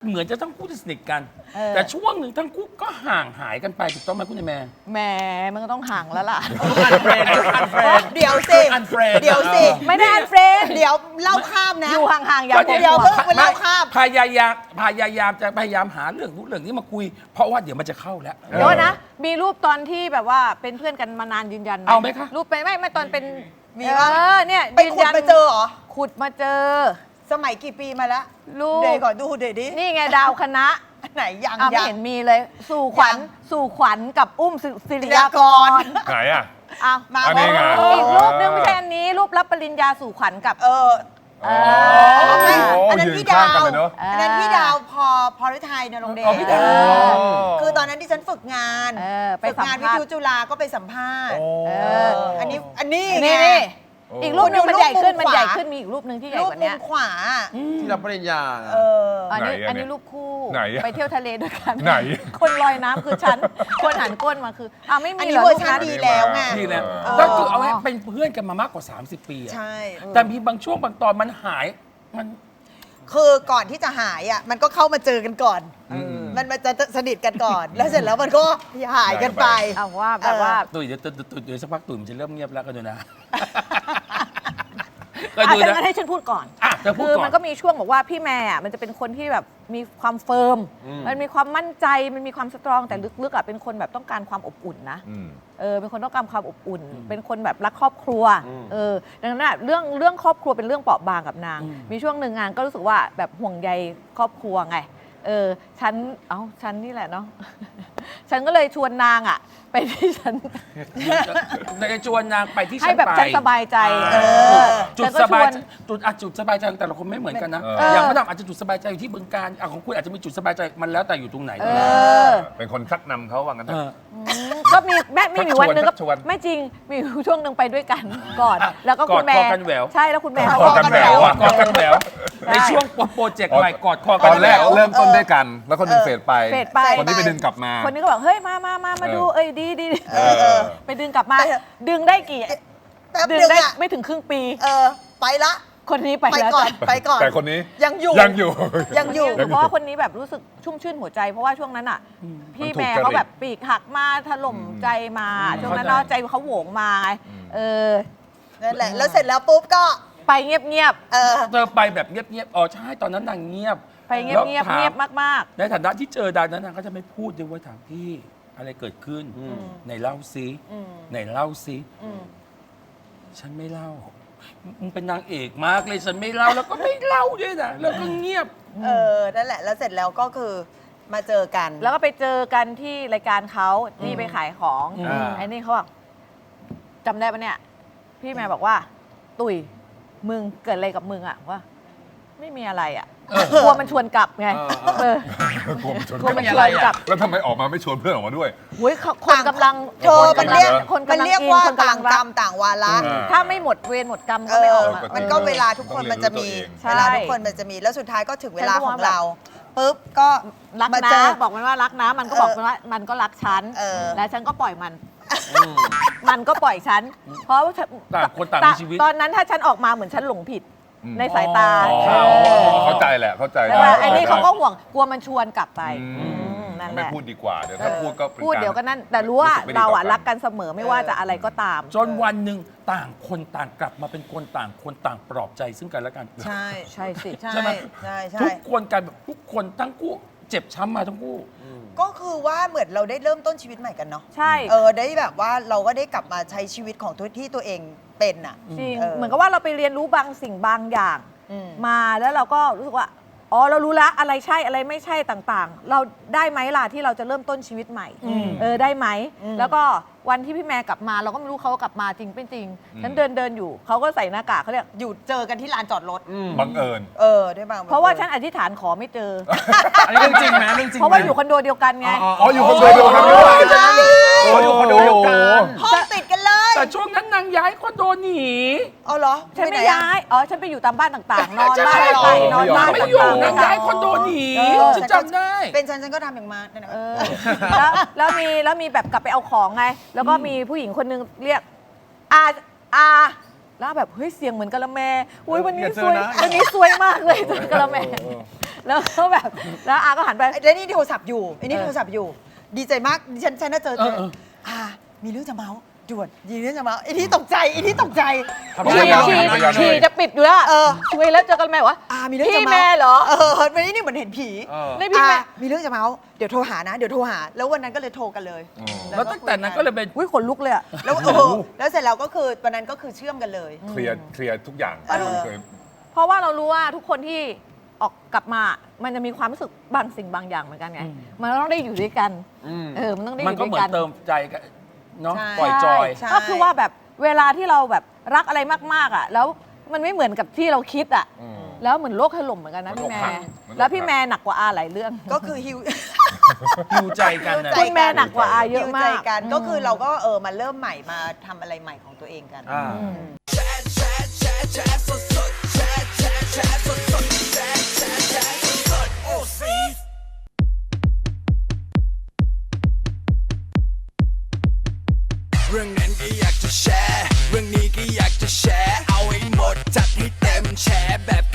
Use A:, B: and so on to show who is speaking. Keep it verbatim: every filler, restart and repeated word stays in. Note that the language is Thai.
A: เหมือนจะทั้งคู่จะสนิทกัน แต่ช่วงหนึ่งทั้งคู่ก็ห่างหายกันไปถูกต้องไหมคุณแม่
B: แหมมันก็ต้องห่างแล้วล่ะ
A: อันเฟรนอันเฟรน
C: เดี๋ยวสิ
A: อันเฟรน
C: เดี๋ยวสิ
B: ไม่ได้อันเฟรน
C: เดี๋ยวเล่าข้ามนะ
B: อยู่ห่างๆอย่า
A: ก็
B: พูด
C: เดี๋ยวเพิ่งไปเล่าข้าม
A: พยายามพยายามจะพยายามหาเรื่องนู้นเรื่องนี้มาคุย เพราะว่าเดี๋ยวมันจะเข้าแล้ว
B: เดี๋ยวนะ มีรูปตอนที่แบบว่าเป็นเพื่อนกันมานานยืนยัน
A: เอาไหมคะ
B: รูปไปไม่ไม่ตอนเป็น
C: มี
B: เอ
C: ปะ
B: อเนี่ย
C: ไปขุดมาเจอเหรอ
B: ขุดมาเจอ
C: สมัยกี่ปีมาแล้ว
B: รูป
C: เดี๋ยวก่อนดูเดี๋ยวดิ
B: นี่ไงดาวคณะ
C: ไหนยัง
B: อ่ะไม่
C: ยัง
B: เห็นมีเลย สู่ขวัญ
C: ยัง
B: สู่ขวัญกับอุ้มศิศิริยากร
D: ไหนอ่ะ
B: อ้าว
C: มา
D: อันนี้ไง
B: อีกรูปนึงไม่ใช่อันนี้ รูปรับปริญญาสู่ขวัญกับ
C: เออ
B: เอ
C: อไม่
D: โอ้
C: อันนั้น
D: ยืน
C: พี่
D: ข้า
C: ดาง
D: กัน
C: ว
D: เลยเนอะ
C: อันนั้นพี่ดาวพอพอฤทัยนรงค์เดช
A: อ๋อพี่ดาว
C: เออคือตอนนั้นที่ฉันฝึกงาน
B: เออไป
C: ฝึก
B: สัม
C: งานวิ
B: ภาษ
C: ทยุ
B: ณ์
C: จุฬาก็ไปสัมภาษณ์
D: โอ้
B: เอ
C: เอออันนี้อันนี้
B: นี่
C: ไง
B: นี่
D: โอ้
B: อีกรูปนึงมันใหญ่ขึ้น
C: รูปมุม
B: มันใหญ่
C: ขวา
B: ขึ้นมีอีกรูปนึงที่ใหญ่
C: รูป
B: กว่า
C: มุ
B: นี้
C: มขวา
E: ที่รับปริญญาน่ะ
C: เออ
B: อันนี้
D: ไหนอะ
B: อันนี้รูปคู่
D: ไหนอะ
B: ไปเที่ยวทะเลด้วยกัน
D: ไหน
B: คนลอยน้ำคือฉัน คนหันก้นมาคืออ้าวไม่
C: อัน
B: มี
C: นี้
B: เหรอ
C: เวอ
B: รู
C: ร์
B: ป
C: ชัน
B: นั้น
C: ดีแล้วไง
A: นี่แหละ
C: เออ
A: ก็คือเอาไว้เป็นเพื่อนกันมามากกว่า สามสิบ ปีอะ
C: ใช่
A: แต่มีบางช่วงบางตอนมันหายมัน
C: คือก่อนที่จะหายอ่ะมันก็เข้ามาเจอกันก่อน มันมันจะสนิทกันก่อน แล้วเสร็จแล้วมันก็หายกันไป
B: เอาว่าแบบว่า
A: ตุ๋ยเดี๋ยวตุ๋ยตุ๋ยเดี๋ยวสักพักตุ๋ยมันจะเริ่มเงียบแล้วก็ดูนะ ก็
B: อ่ะ
A: ดู
B: ฉัน
A: นะ
B: งั้นให้ฉันพูดก่อน
A: อ่ะเธอพูด
B: คือ
A: ก่อ
B: มัน นก็มีช่วงบอกว่าพี่แม่อ่ะมันจะเป็นคนที่แบบมีความเฟิร์ม มันมีความมั่นใจ มันมีความสตรองแต่ลึกๆอ่ะเป็นคนแบบต้องการความอบอุ่นนะ
D: อืม
B: เออเป็นคนต้องการความอบอุ่น เป็นคนแบบรักครอบครัวเออดังนั้นอะเรื่องเรื่องครอบครัวเป็นเรื่องเปราะบางกับนาง มีช่วงหนึ่งงานก็รู้สึกว่าแบบห่วงใยครอบครัวไงเออฉันเอ้าฉันนี่แหละเนาะ ฉันก็เลยชวนนางอ่ะ ไปที่ฉัน
A: ในชวนนางไปที่
B: ให้
A: ฉัน
B: แบบ
A: ไป
B: ฉันสบายใจ
A: เอ
B: เอ
A: อ
B: อ
A: จุด
B: ฉันก็
A: สบาย
B: ชวน
A: จุดอ่ะจุดสบายใจของแต่ละคนไม่เหมือนกันนะ
D: เออ
A: อย่างพระดำอาจจะจุดสบายใจอยู่ที่บึงการอ่ะของคุณอาจจะมีจุดสบายใจมันแล้วแต่อยู่ตรงไหน
B: เออ
D: เป็นคนชักนำเขาว่างั้นเถ
A: เอ
D: อะ
A: อ
B: อืมก็มีแม่ไม่มีวันหนึงก็
D: ชักชวน
B: ไม่จริงมีอยู่ช่วงหนึ่งไปด้วยกันก่อน
A: อ่ะ
B: แล้วก็คุณแม่
A: กอดคอกันแหวว
B: ใช่แล้วคุณแม่
D: ก
B: เขา
D: อดกันแหววอะ
A: กอดกันแหวว
B: ใช่
A: ในช่วงโปรเจกต์ใหม่กอดคอ
D: ต
A: กั
D: อน น
A: แห
D: แร
A: ว
D: ก
A: ว
D: เริ่มต้นด้วยกัน แล้วคนหนึงเฟดไป
B: เฟดไป
D: คนนี้ไปดึงกลับมา
B: คนนี้ก็บอกเฮ้ยมามามามาดู
D: เออ
B: เอ้ยดีดี
D: เออ
B: ไปดึงกลับมา
C: ไปเถอะ
B: ดึงได้กี่
C: แป๊บ
B: ดึง
C: นึง
B: ได้
C: อ่ะ
B: ไม่ถึงครึ่งปี
C: เออไปละ
B: คนนี้ไป
C: ไป
B: แล้ว
C: ก่อน
B: จ้ะ
C: ไปก่อน
D: แต่คนนี้
C: ยังอยู่
D: ยังอยู่
C: ยังอยู่
B: เพราะว่าคนนี้แบบรู้สึกชุ่มชื่นหัวใจ เพราะว่าช่วงนั้นอ่ะ พี่
D: มันถูก
B: แม่
D: จริต
B: เขาแบบปีกหักมาถล่มใจมา ช่วงนั้นเนาะใจเขาโหวงมาไงเออ
C: นั่นแหละแล้วเสร็จแล้วปุ๊บก็
B: ไปเงียบ
C: เออ
A: เธอไปแบบเงียบๆอ๋อใช่ตอนนั้นนางเงียบ
B: ๆไปเงียบ
A: แล้ว
B: เงียบ
A: ถาม
B: เงียบมาก
A: ในฐานะที่เจอดานนั้นนางก็จะไม่พูดด้วยว่าถามพี่อะไรเกิดขึ้นไหนเล่าซิไหนเล่าซิฉันไม่เล่ามึงเป็นนางเอกมากเลยฉันไม่เล่าแล้วก็ไม่เล่าด้วยนะแล้วก็เงียบ
C: เออนั่นแหละแล้วเสร็จแล้วก็คือมาเจอกัน
B: ๆ แล้วก็ไปเจอกันที่รายการเขานี่ไปขายของ
A: อ่า
B: ไอ้นี่เขาบอกจำได้ปะเนี่ย พี่แม่บอกว่า ตุ๋ยมึงเกิดอะไรกับมึงอะว่า ไม่มีอะไรอะกลัวมันชวนกลับไงเออก
D: ลัวมันชน
B: กลัวมันชวนกลับ
D: แล้วทำไมออกมาไม่ชวนเพื่อนออกมาด้วย
B: โอ้ยคนกำลัง
C: เธอมันเรียก
B: คน
C: มัน
B: กำลัง
C: เรียก
B: อิน
C: ว่า
B: คนกำลั
C: ต่าง
B: ง
C: กร
B: รั
C: ร
B: ก
C: มต่างวาระ
D: อ่า
B: ถ้าไม่หมดเวรหมดกรรม
C: เอ
B: ก็ไม่อ
C: อ
B: อกมา
C: มันก็เวลาทุกคนมันจะมี
B: ใช่
C: เวลาทุกคนมันจะมีแล้วสุดท้ายก็ถึงเวลา
B: ฉันก็
C: ข
B: ว่า
C: องเราปุ๊บก็
B: รัก
C: มา
B: นะ
C: เจอ
B: บอกมันว่ารักนะ มันก็บอกมันว่ามันก็รักฉัน
C: เออ
B: และฉันก็ปล่อยมัน มันก็ปล่อยฉัน เพราะว่าฉัน
A: ต่างคนต่างมีชีวิต
B: ตอนนั้นถ้าฉันออกมาเหมือนฉันหลงผิด
D: อืม
B: ในสายตา
D: อ๋อ
B: เออ
D: เข้าใจแหละเข้าใจ
B: แต่ว่า
D: ด้
B: ไอ้นี่เขาก็ห่วงกลัวมันชวนกลับไป
D: อืม
B: อืมนั่นแห
D: ไม่
B: ละ
D: พูดดีกว่าเดี๋ยวถ้าพูดก็ป็น
B: พูด
D: าร
B: เดี๋ยวก็นั่นแต่รู้ว่า
D: สึไม่ดี
B: เรา
D: ต่
B: อะรักกันเสมอไม่ว่าจะอะไรก็ตาม
A: จนวันหนึ่งต่างคนต่างกลับมาเป็นคนต่างคนต่างปลอบใจซึ่งกันและกัน
C: ใช่
B: ใช่สิ
C: ใช่
A: ใช่ไหม
C: ใช่ใช่
A: ทุกคนกันแบบทุกคนทั้งคู่เจ็บช้ำมาทั้งคู่
C: ก็คือว่าเหมือนเราได้เริ่มต้นชีวิตใหม่กันเนาะ
B: ใช่
C: เออได้แบบว่าเราก็ได้กลับมาใช้ชีวิตของตัวที่ตัวเองเป็นอ่ะ
B: จริง
C: เออ
B: เหมือนกับว่าเราไปเรียนรู้บางสิ่งบางอย่าง
C: อืม
B: มาแล้วเราก็รู้สึกว่าอ๋อเรารู้ละอะไรใช่อะไรไม่ใช่ต่างๆ เราได้ไหมล่ะที่เราจะเริ่มต้นชีวิตใหม่ เออได้ไหม แล้วก็วันที่พี่แม่กลับมาเราก็ไม่รู้เขากลับมาจริงเป็นจริงฉันเดินเดินอยู่เขาก็ใส่หน้ากากเขาเรียก
C: อยู่เจอกันที่ลานจอดรถ
D: บังเอิญ
C: เออได้บาง
B: เพราะว่าฉันอธิษฐานขอไม่เจอ
E: อันนี้เรื่องจริงไหมเรื่องจริง
B: เพราะ
E: ไหม
B: ว่าอยู่คอนโดเดียวกันไง
D: อ๋ออยู่คนเดียวกันด้วย
E: โอ้อยู่คอนโดเดียวกัน
C: ห้องติดกันเลย
A: แต่ช่วงนั้นนางย้ายคอนโดหนี
C: เอาเหรอ
B: ฉันไม่
C: ปหอะ
B: ย้าย อ๋อ ฉันไปอยู่ตามบ้านต่างๆ นอน
A: ใช่
B: บ้าน
C: เหรอ
B: ไปนอนบ้าน
A: ไม่อยู่
B: ต่าง
A: นาง
B: ๆ
A: ย้ายคอนโดหนี
C: เออ
A: ฉันจำได้
C: เป็นฉันฉันก็ทำอย่างมานั่นแหละ
B: เออแล้วแล้วมีแล้วมีแบบกลับไปเอาของไง แล้วก็มีผู้หญิงคนนึงเรียกอาอาแล้วแบบเฮ้ยเสียงเหมือนกะละแมอุ้ยวันนี้
E: อย่าเจ
B: ส
E: อ
B: วย
E: นะ
B: วันนี้สวยมากเลยกะละแมแล้วก็แบบแล้วอาก็หันไป
C: แล้วนี่โทรศัพท์อยู่ไอ้นี่
B: เออ
C: โทรศัพท์อยู่ ดีใจมากดิฉันฉันน่าเจอเจอ
A: เออเออ
C: อ่ามีเรื่องจะเมาส์ด่วนมีเรื่องจะเมาส์ไอ้ที่ตกใจไอ้ที่ตกใจ
E: ทำไม
B: ฉี่
E: อ่ะ
B: ฉี่
D: พยายาม
B: ฉี่จะปิดอยู่แล้วอะ
C: เออ
B: คุยแล้วเจอกันไหมวะ
C: อ่ามีเรื่องจะ
B: พี่
C: เมาส์
B: แม่เหรอ
C: เออวันนี้นี่เหมือนเห็นผี
E: เออ
B: นี่พี่แม่
C: อ่ะมีเรื่องจะเมาส์เดี๋ยวโทรหานะ เดี๋ยวโทรหา แล้ววันนั้นก็เลยโทรกันเลย
D: อ๋อ
A: แล้วตั้งแต่นั้นก็เลยเป็น
B: อุ้ยขนลุกเลยอะ
C: แล้วเออแล้วเสร็จแล้วก็คือวันนั้นก็คือเชื่อมกันเลย
D: เคลียร์เคลียร์ทุกอย่าง
C: เออ
D: เคย
B: เพราะว่าเรารู้ว่าทุกคนที่ออกกลับมา มันจะมีความรู้สึกบางสิ่งบางอย่างเหมือนกันไง
A: อืม
B: มันต้องได้อยู่ด้วยกัน
E: อืม
B: เออ มันต้องได้อ
A: มัน
B: ยู่
A: ก็
B: ด้ว
A: เหมื
B: ย
A: อ
B: กัน น
A: เติมใจกันเนาะ
C: ใช่
A: ปล่อยจอย
C: ใช่
B: ก็คือว่าแบบเวลาที่เราแบบรักอะไรมากๆอ่ะ แล้วมันไม่เหมือนกับที่เราคิดอ่ะ
D: อืม
B: แล้วเหมือนโลกถล่มเหมือนกันนะ
D: เหมื
B: พี่
D: อน
B: แม่
D: อกหักเหมือนอกหัก
B: แล้วพี่แม่หนักกว่าอาหลายเรื่อง
C: ก็คือฮิว
A: หิวใจกันนะ
C: ใจ
B: คุณแม่หนักกว่าอาเยอะ
C: ฮิว
B: มา
C: ใจ
B: ก
C: กันก็คือเราก็เออมาเริ่มใหม่มาทำอะไรใหม่ของตัวเองกัน
E: อ่า
F: เรื่องนั้นก็อยากจะแชร์ เรื่องนี้ก็อยากจะแชร์ เอาให้หมดจัดให้เต็มแชร์แบบ